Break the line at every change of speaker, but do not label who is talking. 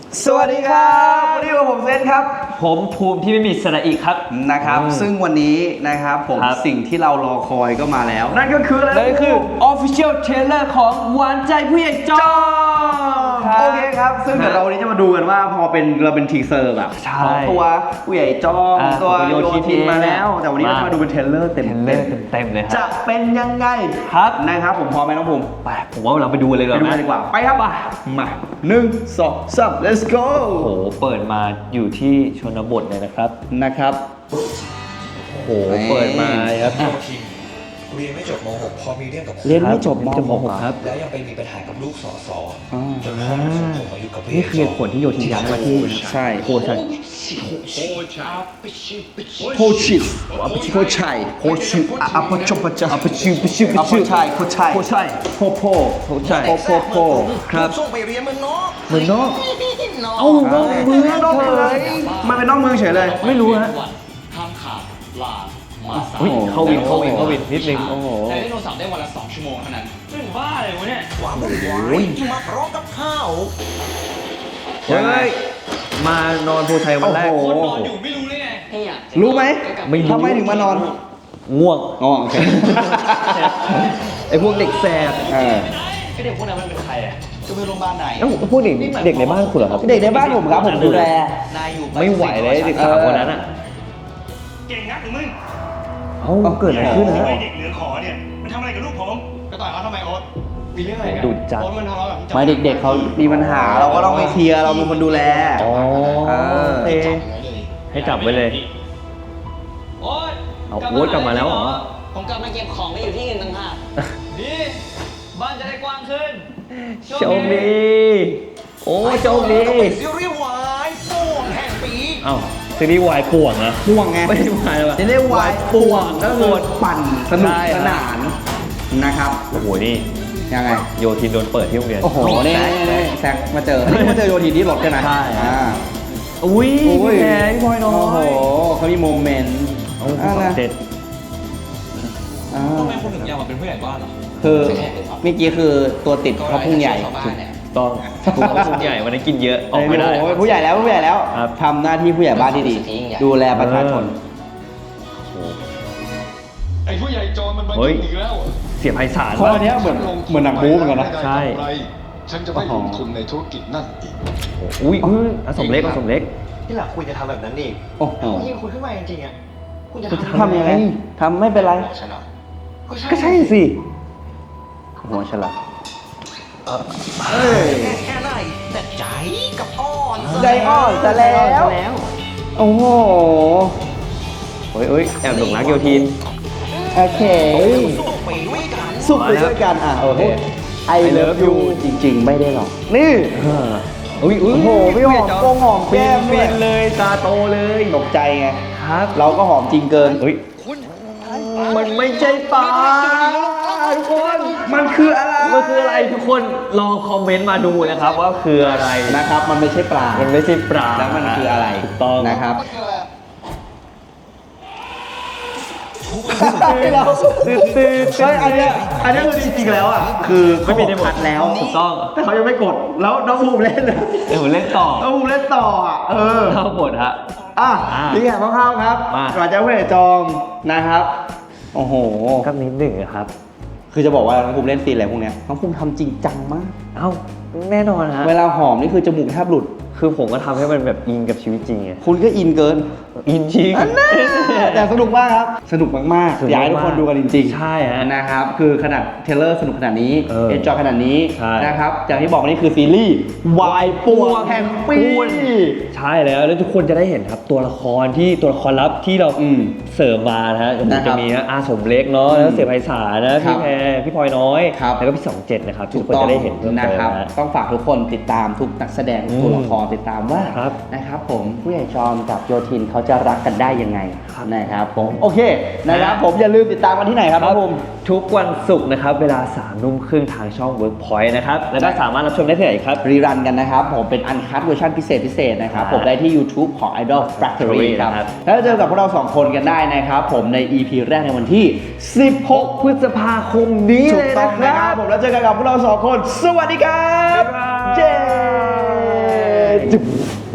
สวัสดีครับวันนี้ผมเซนครับ
ผมภูมิที่ไม่มีสระอีกครับ
นะครับซึ่งวันนี้นะครับผมสิ่งที่เรารอคอยก็มาแล้วนั่นก็คืออะไร
นั่นคือ Official Trailer ของหวานใจผู้ใหญ่จอม
โอเคครับซึ่งเดี๋ยวเราวันนี้จะมาดูกันว่าพอเราเป็นทีเซอร์แบบของตัวผู้ใหญ่จอมตัวโยทินมาแล้วแต่วันนี้เราจะมาดูเป็นเทรลเลอร์เต็ม
เลย
จะเป็นยังไง
ครับ
นะครับผมพร้อมไหมน้องภูมิ
ไปผมว่าเราไปดูเลยเลย
ดีกว่าไปครับมา1 2 3 let's go
โอ้โหเปิดมาอยู่ที่ชนบทเลยนะครับ
โอ้
โหเปิดมาครับ
เรียนไม่จบม .6 พอมีเรื่องกับ
เรียนไม่จบม
.6 ครับ
แล้วยังไปมีปัญหากับลูกสสจนพ่อส่งผมมาอยู่กับพี่
นี่คือผลที่โยทินย้ายมาที่
ใช่
โคชัย
โคชิโคชัยอัปชปจะอัปชิอัปชัยโคชัยโพโพ
ครับส่งไปเรียนเมืองนอก
เอ้าเมืองเลยมันเป็นนอกเมืองเฉยเลย
ไม่รู้ฮะ
ห้ามขาดลา
เข้าวินนิดนึงโอ้โห
ใช้ได้โทรศัพท์ได้วันละ2 ชั่วโมงเท่านั้นเรื่องบ้าเลยวะเนี่ย
ความวุ่นวายมาพร้อมกับข้าว
ยังไงมานอนโพชัยวันแรก
คนนอนอยู่ไม่รู้เลยไง
รู้ไหม
ท
ำไมถึงมานอน
ง่วง
โอเค
ไอพวกเด็กแสบ
ไอเด็กพวกนั้นมันเป็นใครอ่ะจะไปโรงพยาบาลไหน
พวกเด็กในบ้านคุณเหรอครับ
เด็กในบ้านผมครับผมดูแล
ไม่ไหวเลยเด็กสาวคนนั้นอ่ะ
เก่งนักหรือมึง
เกิดอะไรขึ้นนะ
เด็กเหลือขอเนี่ยมันทำอะไรกับลูกผมไปต่อยเขาทำไมโอ๊ตมีเรื่องอะไรกัน
ดุจัด
โอ๊ตมันทะเลาะกับ
ไม่เด็กๆเขามีปัญหาเราก็ต้องไปเคลียร์เราเป็นคนดูแล
ให้จับไว้เลย
โอ๊ต
โอ๊ตกลับมาแล้วเหรอ
ผมกลับมาเก็บของไม่อยู่ที่อื่นต่างหากดีบ้านจะได้กว้างขึ้น
โชคดีโอ้โชคดี
ซีรีส์วายป่วงแห่งปี
ซีรีส์วายป่วงนะ
ป่วงไง
ไม่ใช่วายหรอ
ซีรีส์วายป่วงก็คือปั่นสนุกสนานนะครับ
โอ้โหนี่
ยังไง
โยทินโดนเปิดที่โรงเรียน
โอ้โหนี่แซกมาเจอโยทินที่รถใช่ไหม
ใช่อุ้ยแพ้พี่พลอยน้อย
โอ้โหเขามีโมเมนต์
เด็ด
ทำไมคนถึงอยากมาเป็นผู้ใหญ่บ้านเหรอ
คือเมื่อกี้คือตัวติดเขาพุ่งใหญ่
ต้องผู้ใหญ่วันนี้กินเยอะออกไม่ได้
ผู้ใหญ่แล้วทำหน้าที่ผู้ใหญ่บ้านที่ดีดูแลประชาชน
ไอ้ผู้ใหญ่จอมันมายุ่งอีกแล้ว
เสียไพศาล
ข้อนี้เหมือนหนังบู๊เหมือนกันนะ
ใช่
ฉันจะไม่ลงทุนในธุรกิจนั่นอีก
อุ้ยสมเล็ก
ที่หลังคุณจะทำแบบนั้นอีก
โอ้โห
ยิ่งคุณขึ้นมาจริงๆอ่ะ
คุณจะทำยังไงทำไม่เป็นไรก็ใช่สิหัวฉลาด
แค่ไหนแต่ใจกับอ่อน
จะแล้วโอ้โห
แอบหลงรักโยทิน
โอเคสุขไปด้วยกันโอเคI love you จริงๆไม่ได้หรอกนี่โอ้โหพี่หอมหอมแก้ม
เลยตาโตเลย
ตกใจไง
ครับ
เราก็หอมจริงเกิน
มันไม่ใช่ปลาทุกคน
มันคืออะไร
ทุกคนลองคอมเมนต์มาดูนะครับว่าคืออะไร
นะครับมันไม่ใช่ปลา
แล้ว
มันคืออะไร
ถูกต้อง
นะครับอันนี้คือจริงๆแล้วคือ
ไม่มีในหมด
แล้ว
ถูกต้อง
แต่เขายังไม่กดแล้วน้องภูมิเล่น
ผมเล่นต่อ
น้องภูมิเล่นต่อ
เข้าบทฮะ
นี่แหละคร่าวๆครับก่อนจะผู้ใหญ่จอมนะครับโอ้โห
ก็นิดหนึ่งครับ
คือจะบอกว่าน้องภูมิเล่นซีนอะไรพวกนี้น้องภูมิทำจริงจังมาก
แน่นอนฮะ
เวลาหอมนี่คือจมูกแทบหลุด
คือผมก็ทำให้มันแบบอินกับชีวิตจริงไง
คุณก็อินเกิน
อินจริง
แต่สนุกมากครับสนุกมากๆอยากให้ทุกคนดูกันจริง
ๆใช่ฮะ
นะครับคือขนาดเทเลอร์สนุกขนาดนี้เอ็นจอยขนาดนี้นะครับอย่างที่บอกนี่คือซีรีส์วายป่วงแห่งปี
ใช่แล้วทุกคนจะได้เห็นครับตัวละครลับที่เราเสริมมานะฮะจะมีอาสมเล็กเนาะแล้วเสียไพศาลนะพี่แพรพี่พลอยน้อยแล้วก็พี่27นะครับทุกคนจะได้เห็น
นะครับต้องฝากทุกคนติดตามทุกนักแสดงตัวละครติดตามว่านะครับผมผู้ใหญ่จอมกับโยทินเขาจะรักกันได้ยังไงนะครับผมโอเคนะครับผมอย่าลืมติดตามกันที่ไหนครับผม
ทุกวันศุกร์นะครับเวลา 3:30 นทางช่อง Workpoint นะครับแล้วก็สามารถรับชมได้ที่ไหนครับ
รีรันกันนะครับผมเป็นอันคัทเวอร์ชันพิเศษนะครับผมได้ที่ YouTube ของ Idol Factory ครับแล้วเจอกับพวกเรา2คนกันได้นะครับผมใน EP แรกในวันที่16 พฤษภาคมนี้เลยนะครับผมแล้วเจอกันกับพวกเรา2คนสวัสดีครับเจจุ๊บ